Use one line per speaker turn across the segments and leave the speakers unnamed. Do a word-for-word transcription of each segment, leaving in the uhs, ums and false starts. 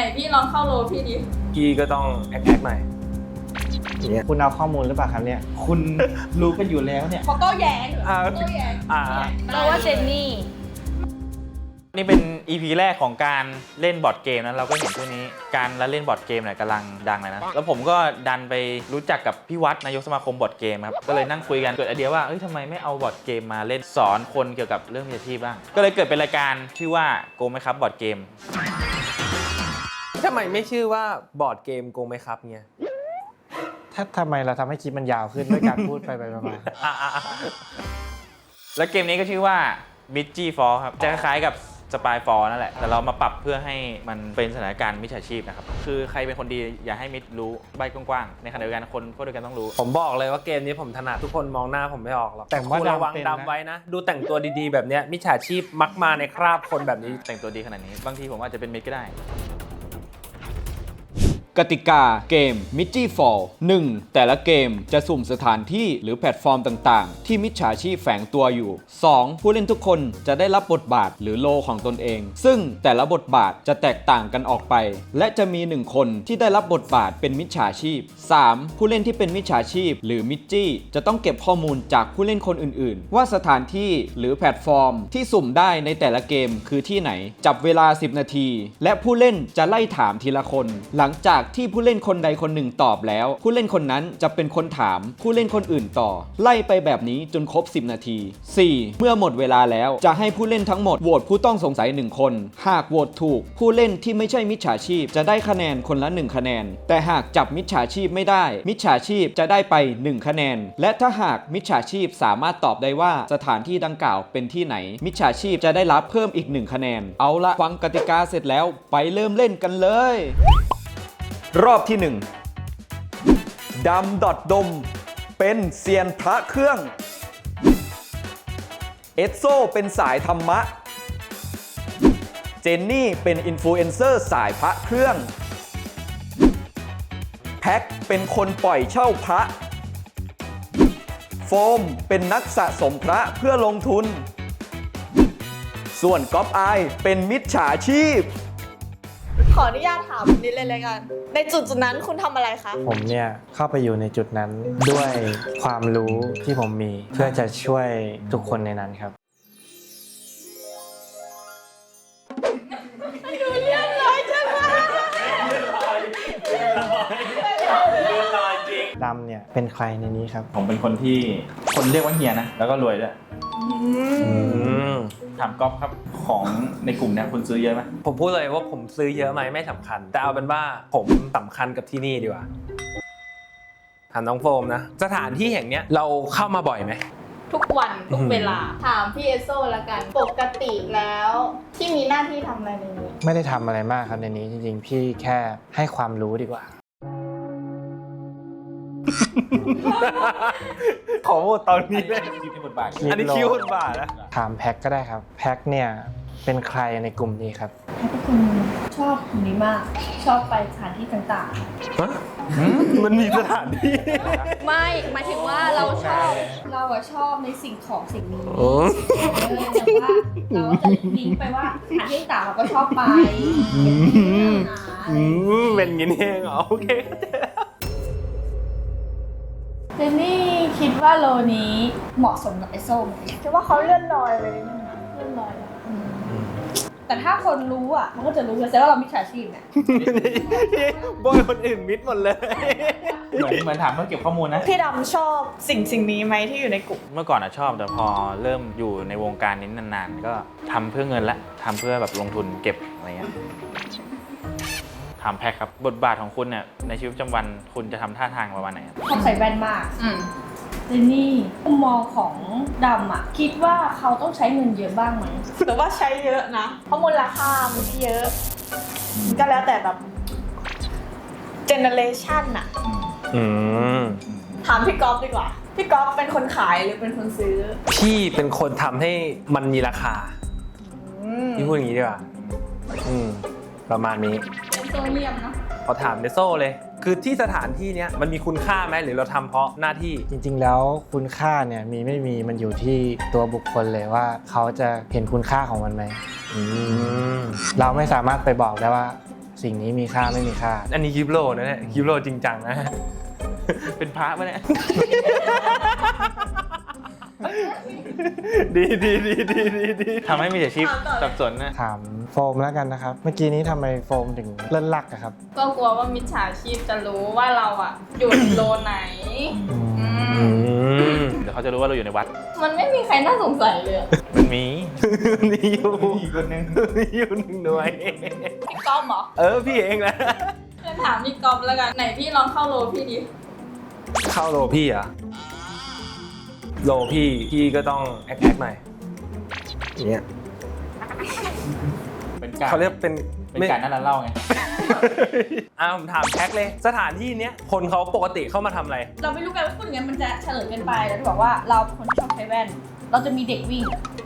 พี่ลองเข้าโลพี่ดิ
กีก็ต้องแอคแอคหน่อยอย่างเงี้ย
คุณเอาข้อมูลหรือเปล่าครับเนี่ยคุณรู้กันอยู่แล้วเนี่ย
เขาโต้แย้ง
อ่า
โต้แย้ง
อ่า
เราว่าเจนนี่
นี่เป็น อี พี แรกของการเล่นบอร์ดเกมนะเราก็เห็นช่วงนี้การเล่นบอร์ดเกมเนี่ยกำลังดังเลยนะแล้วผมก็ดันไปรู้จักกับพี่วัดนายกสมาคมบอร์ดเกมครับก็เลยนั่งคุยกันเกิดไอเดียว่าเอ้ยทำไมไม่เอาบอร์ดเกมมาเล่นสอนคนเกี่ยวกับเรื่องวิชาชีพบ้างก็เลยเกิดเป็นรายการชื่อว่าโกงไหมครับบอร์ดเกม
ทำไมไม่ชื่อว่าบอร์ดเกมโกงไหมครับเนี่ย
ถ้าทำไมเราทำให้คลิปมันยาวขึ้นด้วยการพูดไปไปมา
แล้วเกมนี้ก็ชื่อว่า มิดจี้ ฟอร์ ครับจะคล้ายๆกับสปาย ฟอร์ นั่นแหละแต่เรามาปรับเพื่อให้มันเป็นสถานการณ์มิจฉาชีพนะครับคือใครเป็นคนดีอย่าให้มิดรู้ใบกว้างๆในขณะเดียวกันคนพวกเดียวกันต้องรู้
ผมบอกเลยว่าเกมนี้ผมถนัดทุกคนมองหน้าผมไม่ออกหรอก
แต่ว่า
คุณระวัง
ดำเป็น
ดำ
นะ
ไว้นะ ดูแต่งตัวดีๆแบบเนี้ยมิจฉาชีพมักมาในคราบคนแบบนี้
แต่งตัวดีขนาดนี้บางทีผมอาจจะเป็นมิดก็ได้
กติกาเกม มิดจี้ ฟอล หนึ่ง แต่ละเกมจะสุ่มสถานที่หรือแพลตฟอร์มต่างๆ ที่มิจฉาชีพแฝงตัวอยู่ สอง ผู้เล่นทุกคนจะได้รับบทบาทหรือโลของตนเอง ซึ่งแต่ละบทบาทจะแตกต่างกันออกไป และจะมีหนึ่งคนที่ได้รับบทบาทเป็นมิจฉาชีพ สาม ผู้เล่นที่เป็นมิจฉาชีพ หรือมิจจี้จะต้องเก็บข้อมูลจากผู้เล่นคนอื่นๆ ว่าสถานที่หรือแพลตฟอร์มที่สุ่มได้ในแต่ละเกมคือที่ไหนจับเวลาสิบนาทีและผู้เล่นจะไล่ถามทีละคน หลังจากที่ผู้เล่นคนใดคนหนึ่งตอบแล้วผู้เล่นคนนั้นจะเป็นคนถามผู้เล่นคนอื่นต่อไล่ไปแบบนี้จนครบสิบนาที สี่ เมื่อหมดเวลาแล้วจะให้ผู้เล่นทั้งหมดโหวตผู้ต้องสงสัยหนึ่งคนหากโหวตถูกผู้เล่นที่ไม่ใช่มิจฉาชีพจะได้คะแนนคนละหนึ่งคะแนนแต่หากจับมิจฉาชีพไม่ได้มิจฉาชีพจะได้ไปหนึ่งคะแนนและถ้าหากมิจฉาชีพสามารถตอบได้ว่าสถานที่ดังกล่าวเป็นที่ไหนมิจฉาชีพจะได้รับเพิ่มอีกหนึ่งคะแนนเอาละฟังกติกาเสร็จแล้วไปเริ่มเล่นกันเลยรอบที่หนึ่งดำดอดดมเป็นเซียนพระเครื่องเอสโซเป็นสายธรรมะเจนนี่เป็นอินฟลูเอนเซอร์สายพระเครื่องแพ็คเป็นคนปล่อยเช่าพระโฟมเป็นนักสะสมพระเพื่อลงทุนส่วนก๊อปอายเป็นมิจฉาชีพ
ขออนุญาตถามนิดเลยเลยกัน ในจุดจุดนั้นคุณทำอะไรคะ
ผมเนี่ยเข้าไปอยู่ในจุดนั้นด้วยความรู้ที่ผมมีเพื่อจะช่วยทุกคนในนั้นครับ ดำเนี่ยเป็นใครในนี้ครับ
ผมเป็นคนที่คนเรียกว่าเฮียนะแล้วก็รวยด้วย
อืม
ถามก๊อฟครับของในกลุ่มเนี่ยคุณซื้อเยอะไหม
ผมพูดเลยว่าผมซื้อเยอะไหมไม่สำคัญ แต่เอาเป็นว่าผมสำคัญกับที่นี่ดีกว่าถามน้องโฟมนะสถานที่แห่งเนี้ยเราเข้ามาบ่อยไหม
ทุกวันทุกเวลา ถามพี่เอสโซละกัน ปกติแล้วที่มีหน้าที่ทำอะไรในนี้
ไม่ได้ทำอะไรมากครับในนี้จริงๆพี่แค่ให้ความรู้ดีกว่า
ขอโหวตตอนนี้เลย
คิดในบทบาท
อันนี้คิวคนบ้านะ
ถามแพ็คก็ได้ครับแพ็คเนี่ยเป็นใครในกลุ่มนี้ครับ
เป็นคนชอบคนนี้มาก ชอบไปสถานที่ต่าง
มันมีสถานที่
ๆ ไม่หมายถึงว่าเราชอบเราอะชอบในสิ่งของสิ่งนี้
โอ้
เออแต่ว่าเราก็จะลิงก์ไปว่าสถานที่ต่างเราก็ชอบไป
อืมเป็นอย่างนี้เองเหรอโอเค
เจนนี่คิดว่าโลนี้เหมาะสมกับไอโซ่ไหม
คิดว่าเขาเลื่อนลอยไปนิดนึงนะ
เรื่องลอยอะอืมแต่ถ้าคนรู้อ่ะมันก็จะรู้เลยแต่ว่าเรามิจฉาชีพเนี่ย
บอยคนอื่นมิดหมดเลย
เหมือนเหมือนถามเพื่อเก็บข้อมูลนะ
พี่ดำชอบสิ่งสิ่งนี้ไหมที่อยู่ในกลุ่ม
เมื่อก่อนอะชอบแต่พอเริ่มอยู่ในวงการนี้นานๆ ก็ทำเพื่อเงินละทำเพื่อแบบลงทุนเก็บอะไรเงี้ยถามแพ็คครับบทบาทของคุณเนี่ยในชีวิตประจำวันคุณจะทำท่าทางประมาณไหนครับ
ชอบใส่แว่นมาก
อืม
เจนนี่มุมมองของดำอ่ะ คิดว่าเขาต้องใช้เงินเยอะบ้างไหม
แต่ว่าใช้เยอะนะ เพราะมูลค่ามันเยอะ มันก็แล้วแต่แบบเจเนเรชันอะ
อืม
ถามพี่ก๊อฟดีกว่า พี่ก๊อฟเป็นคนขายหรือเป็นคนซื้อ
พี่เป็นคนทำให้มันมีราคา
อืม
พี่พูดอย่างนี้ดีกว่า อืม ประมาณนี้
เป็นโซเลียมเนาะ
ขอถามเดโซ่เลย คือที่สถานที่เนี้ยมันมีคุณค่าไหมหรือเราทำเพราะหน้าที่
จริงๆแล้วคุณค่าเนี่ยมีไม่มีมันอยู่ที่ตัวบุคคลเลยว่าเขาจะเห็นคุณค่าของมันไหม
อืม
เราไม่สามารถไปบอกได้ว่าสิ่งนี้มีค่าไม่มีค่า
อันนี้คลิปโลนะเนี่ยคลิปโลจริงจังนะ
เป็นพระปะเนี่ย
ดีดีดีดีดีดี
ทำให้มีอาชีพสับสนนะ
ถามโฟมแล้วกันนะครับ เมื่อกี้นี้ทำไมโฟมถึงเล่นลักอะครับ
ก็กลัวว่ามิจฉาชีพจะรู้ว่าเราอ่ะ อยู่ในโลไหน
อืม
อื
อื
ม
ม
เดี๋ยวเขาจะรู้ว่าเราอยู่ในวัด
มันไม่มีใครน่าสงสัยเลยอะ
มันมี
นี่อยู่
อีกคนนึง
นี่อยู่หนึ่งหน่วย
พี่ก๊อฟเหรอ
เออพี่เองแหละ
งั้นถามพี่ก๊อฟแล้วกัน ไหนพี่ลองเข้าโลพี่ดิ
เข้าโลพี่เหรอ่ะโลพี่พี่ก็ต้องแอคแอคหน่อยอย่างเงี้ย
เป็นการ
เขาเรียกเป็น
เป็นการนั่นเล่าไง
อ่าผมถามแท็กเลย สถานที่เนี้ยคนเขาปกติเข้ามาทำอะไร
เราไม่รู้กันว่าพูดอย่างนั้นมันจะเฉลยเกินไปแล้วจะบอกว่าเราเป็นคนที่ชอบใช้แว่น เราจะมีเด็กวิ่ง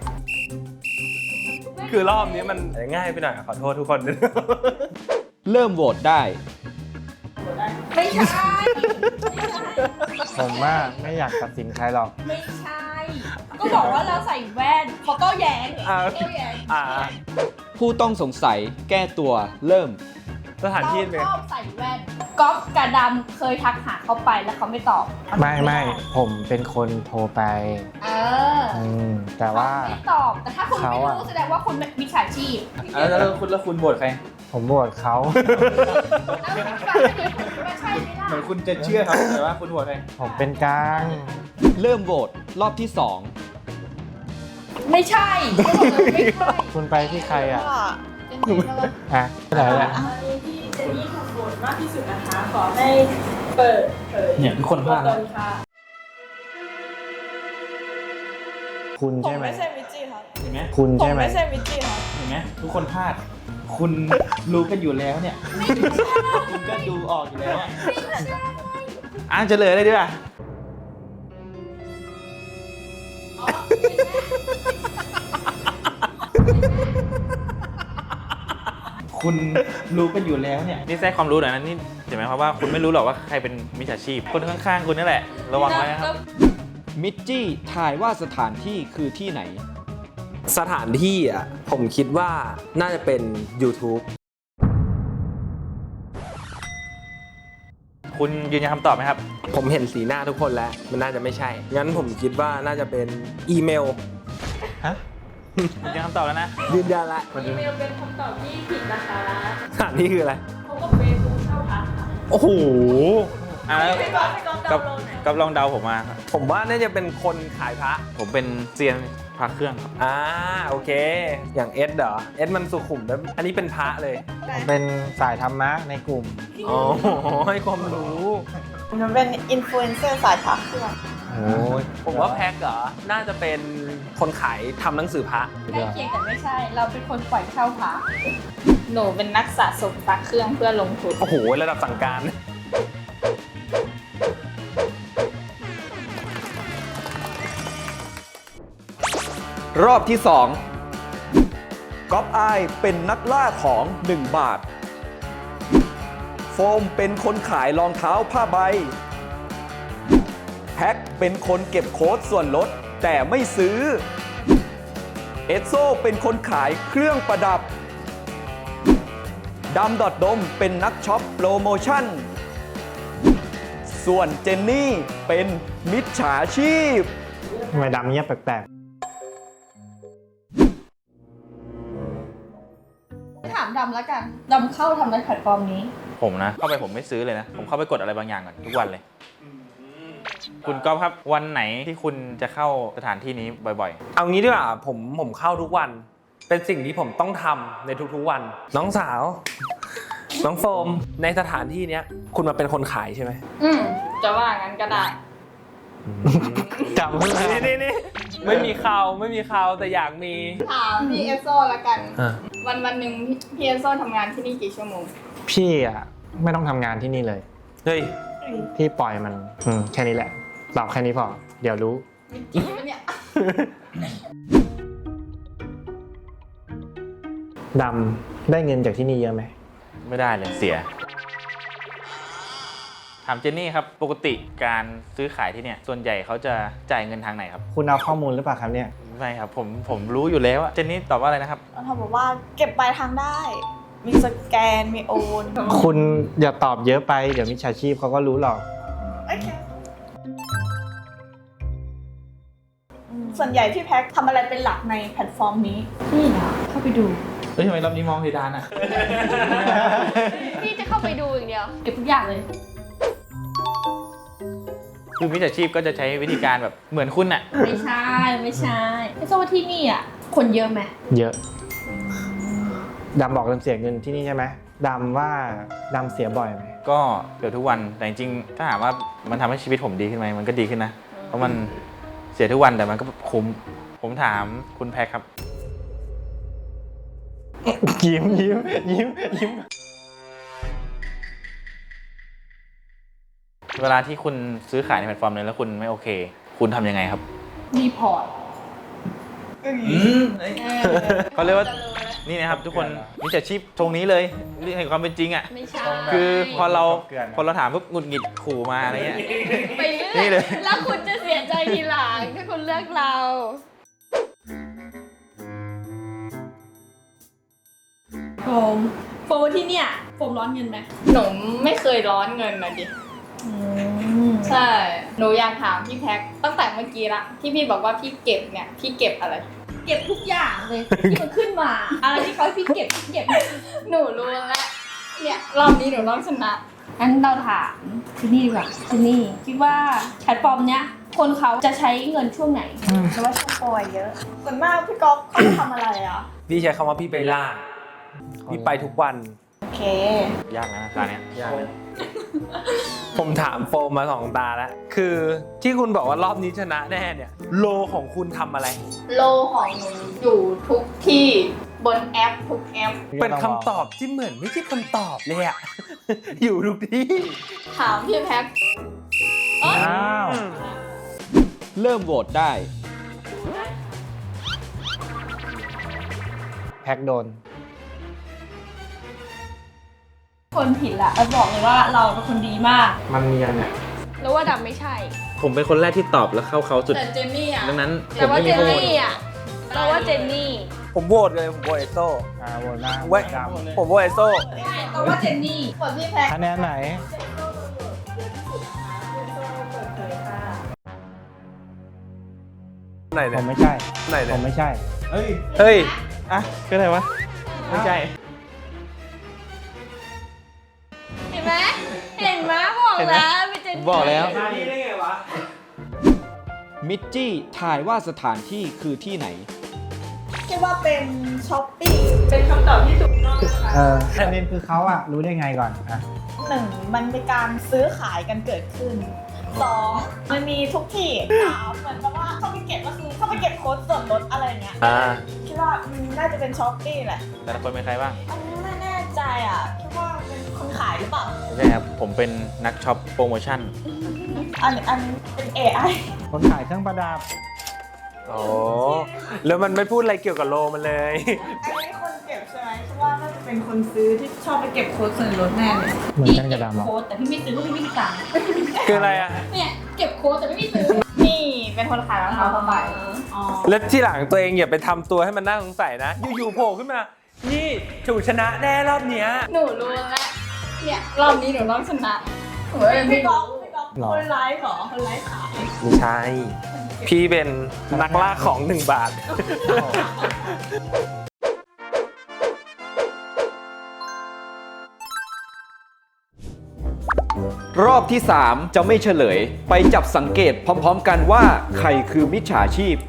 คือรอบนี้มันง่ายไปหน่อยขอโทษทุกคนด้วย
เริ่มโหวตได้
ไม่ใช่
ผมว่าไม่อยากตัดสินใครหรอก
ไม่ใช่ ก็บอกว่าเราใส่แว่นเขาก็แย้ง
อ่า
เขาก็แย้ง
อ่า
ผู้ต้องสงสัยแก้ตัวเริ่ม
สถาน
เรา
ที่เป็น
ชอบใส่แว่นก๊อฟกับดำเคยทักหาเขาไปแล้วเขาไม่ตอบ
ไม่ไม่ผมเป็นคนโทรไป
เออ
อืมแต่ว่า
เขไม่ตอบ แต่ถ้าคุณไม่
เขาอะ
รู้แสดงว่าคุณเป็นมิจฉาชีพ
แล้วแล้วคุณแล้วคุณโหวตใคร
ผมโหวตเขา
แล้วมิจฉาชีพคุณว่าใช่ไหมล่ะ
เหมือนคุณจะเชื่อครับแต่ว่าคุณโหวตใคร
ผมเป็นกลาง
เริ่มโหวตรอบที่สอง
ไม่ใช่ก็บอกเลยไม่ใช่
คุณไปที่ใครอ่ะ
เป็นจริงแล้วก็
อ่ะที่ไหนอ่ะ
ที่เจนนี่ถูกโหวตมากที่สุดนะคะ ขอให้เปิดเผย
เนี่ยทุกคนพลาด
ตัวตนค่ะ
คุณ
ผม
ใช่ไหม
ไม่ใช่มิจจี้ครับ
เห็นไหม
คุณ
ผม
ใช่ไหม
ไม่ใช่มิจจี้ครับ
เห็นไหมทุกคนพลาด คุณรู้กันอยู่แล้วเนี่ย คุณก็ดูออกอยู่แล้วอะอ่ะเฉลยเลยดีกว่าคุณรู้กันอยู่แล้วเนี่ยนี่แทรกความรู้หน่อยนะนี่เห็นไหมครับว่าคุณไม่รู้หรอกว่าใครเป็นมิจฉาชีพ คนข้างๆคุณนั่นแหละ ระวังไว้นะครับ
มิจจี้ทายว่าสถานที่คือที่ไหน
สถานที่อ่ะผมคิดว่าน่าจะเป็น YouTube
คุณยืนยันคำตอบไหมครับ
ผมเห็นสีหน้าทุกคนแล้ว มันน่าจะไม่ใช่ งั้นผมคิดว่าน่าจะเป็นอีเมล
ฮะ
ยืนยันคำตอบแล้วนะ
ยืนยันละ
อีเมลเป็นคำตอบที่ผิดนะคะ
สถานที่คืออะไร
เขาก็เฟซบุ๊กเช่าพักค่ะ
โอ้โห
อ่ะแล้ว
ให้ก๊อฟให้ก๊อฟ
กั
ดา
บ
วน์โหลดหน่อย
กับลองเดาผมมาครับ
ผมว่าน่าจะเป็นคนขายพระ
ผมเป็นเซียนพระเครื่องครับ
อ่าโอเค อย่างเอสเหรอ เอสมันสุขุมแล้วอันนี้เป็นพระเลย
ผมเป็นสายธรรมะในกลุ่ม
อ๋อ ให้ความรู้
ผมเป็นอินฟลูเอนเซอร์สายพักเครื่อง
โอ้ย
ผมว่าแพ็กเหรอ น่าจะเป็นคนขายทำหนังสือพระ
ใกล้เคียงแต่ไม่ใช่ เราเป็นคนปล่อยเช่าพระ
หนูเป็นนักสะสมพักเครื่องเพื่อลงทุน
โอ้โห ระดับสั่งการ
รอบที่สองก๊อปอายเป็นนักล่าของหนึ่งบาท โฟมเป็นคนขายรองเท้าผ้าใบ แพ็คเป็นคนเก็บโค้ดส่วนลดแต่ไม่ซื้อ เอสโซเป็นคนขายเครื่องประดับดำดอดดมเป็นนักช็อปโปรโมชั่น ส่วนเจนนี่เป็นมิจฉาชีพ
ทำไมดำเงียบแปลก
ถามดำแล้วกัน ดำเข้าทำในแพลตฟอร์มนี้
ผมนะ เข้าไปผมไม่ซื้อเลยนะ ผมเข้าไปกดอะไรบางอย่างก่อนทุกวันเลย คุณก๊อฟครับ วันไหนที่คุณจะเข้าสถานที่นี้บ่อย
เอางี้ดีกว่าผมผมเข้าทุกวัน เป็นสิ่งที่ผมต้องทำในทุกๆวัน น้องสาว น้องโฟม ในสถานที่เนี้ย คุณมาเป็นคนขายใช่ไหม
อืมจะว่างั้นก็ได้
ๆจำไม่ได้
นี่นี่นี่ไม่มีข่าวไม่มีข่าวแต่อยากมี
ถามพี่เอสโซละกัน
อ่ะ
วันวันหนึ่งพี่พี่เอสโซทำงานที่นี่กี่ชั่วโมง
พี่อ่ะไม่ต้องทำงานที่นี่เลย
เฮ้ย
พี่ปล่อยมันอืมแค่นี้แหละตอบแค่นี้พอ เดี๋ยวรู้
จริงปะเนี่ย
ดำได้เงินจากที่นี่เยอะไหม
ๆ ไม่ได้เลยเสีย ถามเจนนี่ครับ ปกติการซื้อขายที่เนี่ย ส่วนใหญ่เขาจะจ่ายเงินทางไหนครับ
คุณเอาข้อมูลหรือเปล่าครับเนี่ย
ไม่ครับ ผมผมรู้อยู่แล้วอะเจนนี่ตอบว่าอะไรนะครับ
เขาบอกว่าเก็บปลายทางได้
อ
มีสแกนมีโอน
คุณอย่าตอบเยอะไปเดี๋ยวมิจฉาชีพเขาก็รู้หรอก
โอเคอืมส่วนใหญ่พี่แพ็คทำอะไรเป็นหลักในแพลตฟอร์มนี้
นี่นะเข้าไปดู
เฮ้ยทำไมรอบนี้มองเพดานอ่ะ
พี่จะเข้าไปดูอย่างเดียว
เก็บทุกอย่างเลย
คือมิจฉาชีพก็จะใช้วิธีการแบบเหมือนคุณอ่ะ
ไม่ใช่ไม่ใช่ไม่ทราบว่าที่นี่อ่ะคนเยอะไหม
เยอะดำบอกดำเสียเงินที่นี่ใช่ไหมดำว่าดำเสียบ่อยไหม
ก็เกือบทุกวันแต่จริงๆถ้าถามว่ามันทำให้ชีวิตผมดีขึ้นไหมมันก็ดีขึ้นนะ เพราะมันเสียทุกวันแต่มันก็คุ้มผมถามคุณแพ็คครับ
ยิ้มยิ้มยิ้มยิ้ม
เวลาที่คุณซื้อขายในแพลตฟอร์มนึงแล้วคุณไม่โอเค คุณทำยังไงครับ
รีพอร์ต
เขาเรียกว่านี่นะครับทุกคนมิจฉาชีพตรงนี้เลยเรื่องแห่งความเป็นจริงอ่ะ
ไม่ใช่
คือพอเราพอเราถามปุ๊บหงุดหงิดขู่มาอะไรเงี้ย
ไปเรื่
นี่
อย
เลย
แล้วคุณจะเสียใจทีหลังถ้าคุณเลือกเรา
โฟมโฟมว่าที่เนี่ยโฟมร้อนเงินไหม
หนูไม่เคยร้อนเงินนะดิ ใช่ หนูอยากถามพี่แพ็คตั้งแต่เมื่อกี้ละที่พี่บอกว่าพี่เก็บเนี่ย พี่เก็บอะไร
เก็บทุกอย่างเลยที่มันขึ้นมา อะไรที่เขาให้พี่เก็บพี่เก็บ
หนูรู้แล้ว เนี่ยรอบนี้หนูต้องชนะ
งั้นเราถามที่นี่ดีกว่าที่นี่คิดว่าแพลตฟอร์มเนี้ยคนเขาจะใช้เงินช่วงไหน
แต่ว่าช่วงโปรยเยอะ ส่วนมากพี่ก๊อฟเขาทำอะไรอ่ะ
พี่ใช้คำว่าพี่ไปล่า พี่ไปทุกวัน
โอเค
ยากนะร้านเนี้ยยากนะ
ผมถามโฟมมาสองตาแล้ว คือที่คุณบอกว่ารอบนี้ชนะแน่เนี่ย โลของคุณทำอะไร
โลของหนูอยู่ทุกที่บนแอปทุกแอป
เป็นคำตอบที่เหมือนไม่ใช่คำตอบเลยอะ อยู่ทุกที่
ถามพี่แพ็ค
อ้าว
เริ่มโหวตได้
แพ็กโดน
คนผิดละเราบอกเลยว่าเราเป็นคนดีมาก
มันเนียนเนี่ย
แล้วว่าดำไม่ใช่
ผมเป็นคนแรกที่ตอบแล้วเข้าเขาสุด
แต่เจนนี่อ่ะ
ดังนั้นผ
แต่
ม
ว่า
ไม่
เจ
มี
น
ข้อมูล
นี่อ่ะเราว่าเจนนี่
ผมโหวตเลย ผมโหวตเอโซ่
อ่าโหวตหน้า
เว้ย
ด
ผมโหวตเอโซ่
เราว่าเจนนี่
ส่วนพี่แพ็ค
ำคะแนนไหน
ไหน
ผ
เนี่ย
มไม่ใช่
ไหน
ผ
เนี่ย
มไม่ใช่
เฮ้ย
เฮ้ย
อ่ะก็ได้วะไม่ใช่
เห็นไหมเห็นไหมบอกแล้วเป็นเจนนี่
บอกแล้ว
มานี่ได้ไงวะ
มิจจี้ทายว่าสถานที่คือที่ไหน
คิดว่าเป็นช้อปปี้เป็นคำตอบที่ถูกต้องนะคะ
เออประเด็นคือเขาอะรู้ได้ไงก่อนอะ
หนึ่งมันมีการซื้อขายกันเกิดขึ้นสองมันมีทุกที่สามเหมือนกับว่าเข้าไปเก็บก็คือเข้าไปเก็บโค้ดส่วนลดอะไรเงี้ย
อ่า
คิดว่าอืมน่าจะเป็นช้อปปี้แหละ
แต่ละคนเป็นใครบ้าง
อันนี้ไม่แน่ใจอ่ะคิดว่าเป็นคนขายหรือเปล่า
ไม่ใช่ครับ ผมเป็นนักช็อปโปรโมชั่น
อันอันเป็น เอ ไอ
คนขายเครื่องประดับ
โอ้แล้วมันไม่พูดอะไรเกี่ยวกับโลมันเลย
อันนี้คนเก็บใช่ไหมคิดว่าน่าจะเป็นคนซื้อที่ชอบไปเก็บโค้ดส่วนลดแน่เลย
เหมือนกันกับดำหรอ
โค้ดแต่พี่ไม่ซื้อเพราะพี่ไม่มีตังค์
คืออะไรอะ
เนี่ยเก็บโค้ดแต่ไม่มีซื้อ
นี่เป็นคนขายรองเท้าผ้าใบ
อ๋อ
แล้วที่หลังตัวเองอย่าไปทำตัวให้มันน่าสงสัยนะ อยู่ๆโผล่ขึ้นมา นี่ถูกชนะแน่รอบเนี้ย
หนูรู้แล้ว เนี่ยรอบนี้หนูต้องชนะหนูเลยไม่
พี่ก๊อ
รู้
ฟพี่ก๊อฟ
หรอ
คนไลฟ์เหรอคนไลฟ์ขาย
ไม่ใช่ พี่เป็นนักล่าของหนึ่งบาท
รอบที่ สาม จะไม่เฉลย ไปจับสังเกตพร้อมๆกันว่าใครคือมิจฉาชีพ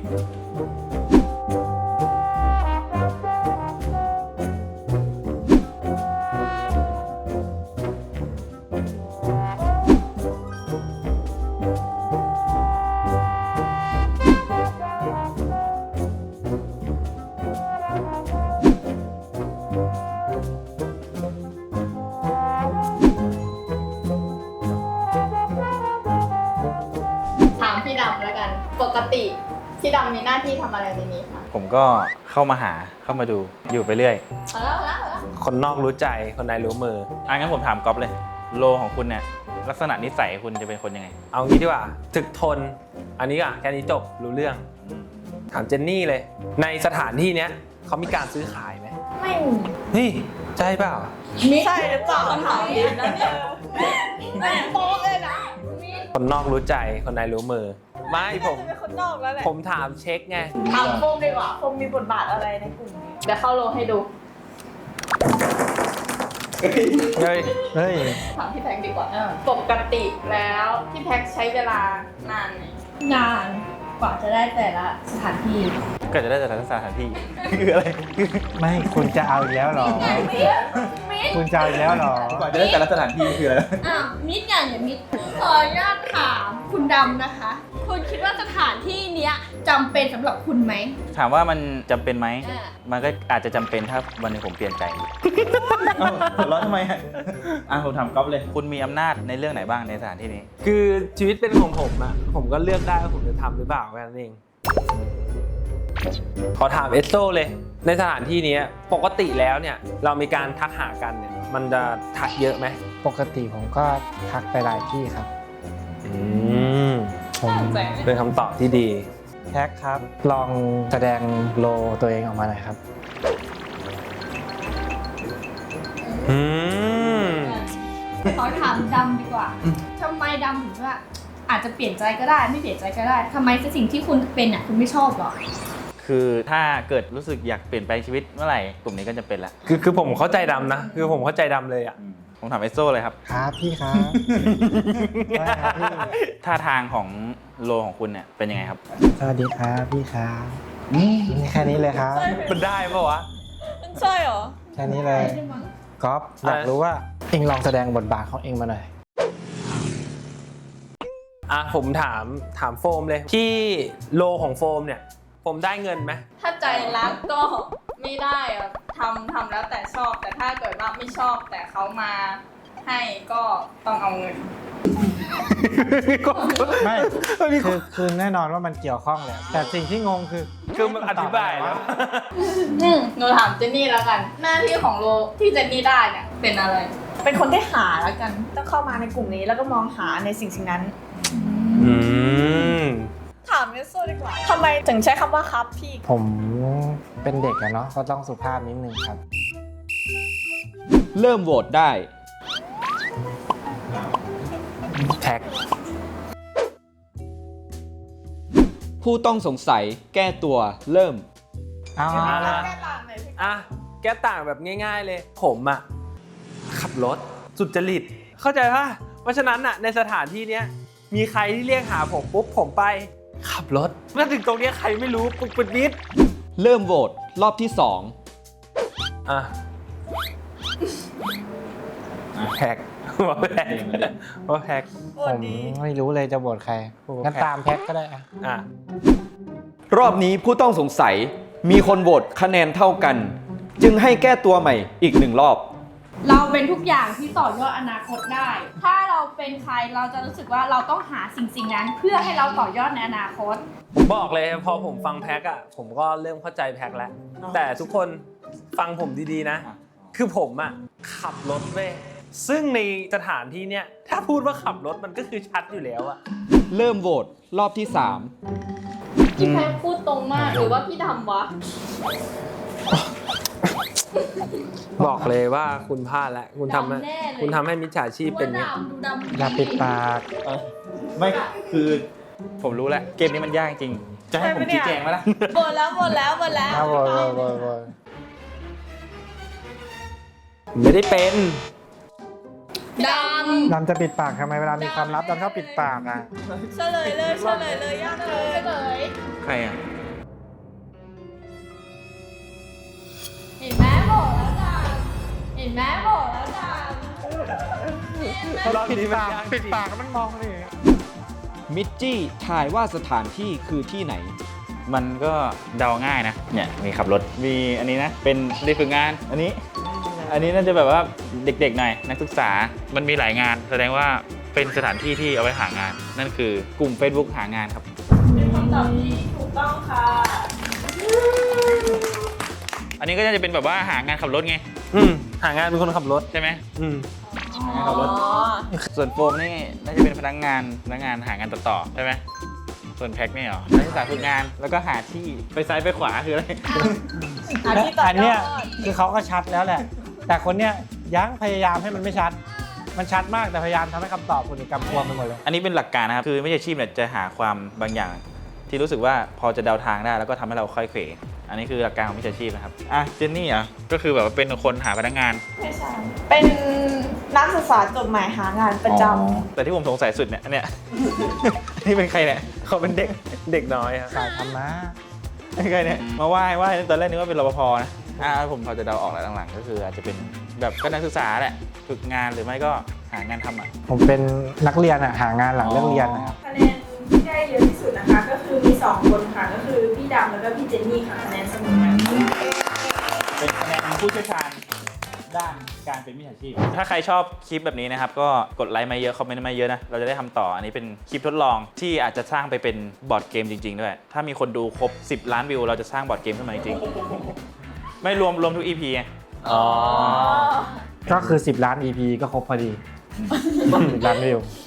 ถามพี่ดำแล้วกัน ปกติพี่ดำมีหน้าที่ทำอะไรในนี้คะ
ผมก็เข้ามาหาเข้ามาดูอยู่ไปเรื่อย
เอาแล้วเอาแล้วเอาแล้ว
คนนอกรู้ใจ คนในรู้มือ
อ่ะงั้นผมถามก๊อฟเลย โลของคุณเนี่ยลักษณะนิสัยคุณจะเป็นคนยังไง
เอางี้ดีกว่า ถึกทน อันนี้อ่ะแค่นี้จบ รู้เรื่อง ถามเจนนี่เลย ในสถานที่เนี้ยเขามีการซื้อขายไหม
ไม่มี
เฮ้ยใช่เปล่า
ใช่หรือเปล่าคำถามผิดนะเนี่ยแม่โป๊ะเลยนะ
คนนอกรู้ใจคนในรู้มือ ไม่ผม
จะเป็นคนนอกแล้วแหละ
ผมถามเช็คไง
ถามโฟมดีกว่าโฟมมีบทบาทอะไรในกลุ่มนี้
เดี๋ยวเข้าโลให้ดู
เฮ้ย
เฮ้ย
ถามพี่แพ็กดีกว่าปกติแล้วพี่แพ็กใช้เวลานานไหม
นานกว่าจะได้แต่ละสถานที่
ก็จะได้แต่ละสถานที่ คืออะไร
ไม่คุณจะเอาอีกแล้วเหรอ คุณจะเอาอีกแล้วเหรอ
กว่าจะได้แต่ละสถานที่คืออะไร
อ้าวมิดอย่างอย่างมิดขออนุญาตถามคุณดำนะคะ คุณคิดว่าสถานที่เนี้ยจำเป็นสำหรับคุณไหม
ถามว่ามันจำเป็นไหม
อ่า
มันก็อาจจะจำเป็นถ้าวันหนึงผมเปลี่ยนใจเอ้าหัวเราะทำไมอ่ะอ่ะผมถามก๊อฟเลย คุณมีอำนาจในเรื่องไหนบ้างในสถานที่นี้
คือชีวิตเป็นของผมอะผมก็เลือกได้ว่าผมจะทำหรือเปล่าแค่นั้นเอง ขอถามเอสโซเลย ในสถานที่นี้ปกติแล้วเนี่ยเรามีการทักหากันเนี่ยมันจะทักเยอะไหม
ปกติผมก็ทักไปหลายที่ครับ
อืม
ผม
เป็นคำตอบที่ดี
แท็กครับ ลองแสดงโลตัวเองออกมาหน่อยครับ
อืม
ขอถามดำดีกว่าทำไมดำถึงว่าอาจจะเปลี่ยนใจก็ได้ไม่เปลี่ยนใจก็ได้ทำไมสิ่งที่คุณเป็นอ่ะคุณไม่ชอบหรอ
คือถ้าเกิดรู้สึกอยากเปลี่ยนแปลงชีวิตเมื่อไหร่กลุ่มนี้ก็จะเป็นละ
คือคือผมเข้าใจดำนะ คือผมเข้าใจดำเลยอะ
ผมถามเอสโซเลยครับ
ครับพี่ครับ ได้ครับพี่
ท่าทางของโลของคุณเนี่ยเป็นยังไงครับ
สวัสดีครับพี่ครับนี่แค่นี้เลยครับ
มันได้ปะวะ
ใช่เหรอ
แค่นี้เลยก๊อฟอยากรู้ว่าเองลองแสดงบทบาทของเองมาหน่อย
อ่ะผมถามถามโฟมเลย ที่โลของโฟมเนี่ย ผมได้เงินไหม
ถ้าใจรักก็ไม่ได้อะทำทำแล้วแต่ชอบ แต่ถ้าเกิดว่าไม่ชอบแต่เขามาให้ก็ต้องเอาเงิน
ไม่คือคือแน่นอนว่ามันเกี่ยวข้องแหละแต่สิ่งที่งงคือ
คือมันอธิบายแล้ว
อืมหนูถามเจนนี่แล้วกัน หน้าที่ของโลที่เจนนี่ได้เนี่ยเป็นอะไร
เป็นคนที่หาแล้วกัน ต้องเข้ามาในกลุ่มนี้แล้วก็มองหาในสิ่งสิ่งนั้น
อืม
ถามเมสโซดีกว่าทำไมถึงใช้คำว่าครับพี่
ผมเป็นเด็กอะเนาะก็ต้องสุภาพนิดนึงครับ
เริ่มโหวตได้
แท็ก
ผู้ต้องสงสัยแก้ตัวเริ่ม
เอา
อ่า
ละ
แก้ต่างหน่อยพี่
อ่ะแก้ต่างแบบง่าย ๆ เลย ผมอ่ะ ขับรถสุจริต เข้าใจป่ะ เพราะฉะนั้นอ่ะในสถานที่เนี้ยมีใครที่เรียกหาผมปุ๊บผมไป ขับรถมาถึงตรงเนี้ยใครไม่รู้ปุ๊บปิดนิด
เริ่มโหวตรอบที่สอง
อ่ะแพ็กว่าแพ็กว่าแพ็ก
โอ้
ผม
ดี
ไม่รู้เลยจะโหวตใครงั้นตามแพ็กก็ได้อะ
อ่ะ
รอบนี้ผู้ต้องสงสัยมีคนโหวตคะแนนเท่ากัน จึงให้แก้ตัวใหม่อีกหนึ่งรอบ
เราเป็นทุกอย่างที่ต่อยอดอนาคตได้ ถ้าเราเป็นใครเราจะรู้สึกว่าเราต้องหาสิ่งสิ่งนั้น เพื่อให้เราต่อยอดในอนาคต
ผมบอกเลยพอผมฟังแพ็กอ่ะผมก็เริ่มเข้าใจแพ็กแล้ว แต่ทุกคนฟังผมดีๆนะ คือผมอ่ะขับรถเว้ยซึ่งในสถานที่เนี้ยถ้าพูดว่าขับรถมันก็คือชัดอยู่แล้วอ่ะ
เริ่มโหวตรอบที่สาม
พี่แพ็คพูดตรงมากหรือว่าพี่ดำวะ
บอกเลยว่าคุณพลาดแล้วคุณทำให้
ดำแน่เลย
คุณทำให้มิจฉาชีพเป็นเนี้ย
ว่าดำดูดำ
อย่าปิดปาก
ไม่คือผมรู้แล้วเกมนี้มันยากจริง จะให้ผมชี้แจงไหมล่ะ
หมดแล้วหมดแล้วหมดแล้ว
เอาโหวตโหวตโหวตโหวต
ไม่ได้เป็น
ด
ดำจะปิดปากทำไมเวลามีความลับดำชอบปิดปากอ่ะ
เฉลยเลยเฉลยเลยยากเกิน
ำเลย
ใครอ่ะ
เห็นไหมบอกแล้วดำเห็นไหมบอกแล้วด
รอบนี้มันยาก
ปิดปากมันมองเลย
มิจจี้ทายว่าสถานที่คือที่ไหน
มันก็เดาง่ายนะ เนี่ยมีขับรถ มีอันนี้นะ เป็นเด็กฝึกงาน อันนี้ อันนี้น่าจะแบบว่าเด็กๆหน่อย นักศึกษา มันมีหลายงาน แสดงว่าเป็นสถานที่ที่เอาไว้หางาน นั่นคือกลุ่ม Facebook หางานครับ
เป็นคำตอบที่ถูกต้องค่ะ
อันนี้ก็จะเป็นแบบว่าหางานขับรถไง
อืมหางานเป็นคนขับรถ
ใช่ไหม
อืม
หางานขับรถ ส่วนโฟมนี่น่าจะเป็นพนักงานพนักงานหางานต่อต่อใช่ไหม ส่วนแพ็คนี่เหรอ นักศึกษาฝึกงาน แล้วก็หาที่ไปซ้ายไปขวาคืออะไร
หาที่ต่อยอด
อันเนี้ยคือเขาก็ชัดแล้วแหละแต่คนเนี้ยยังพยายามให้มันไม่ชัด มันชัดมากแต่พยายามทำให้คำตอบคนอื่นกำกวมไปหมดเลย
อันนี้เป็นหลักการนะครับ คือมิจฉาชีพเนี่ยจะหาความบางอย่าง ที่รู้สึกว่าพอจะเดาทางได้แล้วก็ทำให้เราค่อยเขวอันนี้คือหลักการของมิจฉาชีพนะครับอ่ะเจนนี่อ่ะก็คือแบบว่าเป็นคนหาพนักงาน
ไม่ใช่ เป็นนักศึกษาจบใหม่หางานประจ
อ๋อแต่ที่ผมสงสัยสุดเนี่ยอันเนี่ย นี่เป็นใครเนี่ยเขาเป็นเด็ก
เด็กน้อยครับ
สายธรรมะ
เป็นใครเนี่ยมาไหว้ไหว้ตอนแรกนึกว่าเป็นรปภนะอ่าผมพอจะเดาออกแล้วหลังๆก็คืออาจจะเป็นแบบก็นักศึกษาแหละฝึกงานหรือไม่ก็หางานทำอ่ะ
ผมเป็นนักเรียนอะหางานหลังเลิกเรียนนะครับ
คะแนนที่ได้เยอะที่สุดนะคะ ก็คือมีสองคนค่ะ ก็คือพี่ดำแล้วก็พี่เจนนี่ค่ะคะแนนเสมอกัน
เป็นคะแนนผู้เชี่ยวชาญด้านการเป็นมิจฉาชีพ ถ้าใครชอบคลิปแบบนี้นะครับ ก็กดไลค์มาเยอะ คอมเมนต์มาเยอะนะ เราจะได้ทำต่อ อันนี้เป็นคลิปทดลองที่อาจจะสร้างไปเป็นบอร์ดเกมจริงๆด้วย ถ้ามีคนดูครบสิบล้านวิว เราจะสร้างบอร์ดเกมขึ้นมาจริงๆไม่รวมรวมทุก อี พี ไง
อ๋อ
ก็คือ สิบ ล้าน อี พี ก็ครบพอดี สิบ ล้านวิว
ำ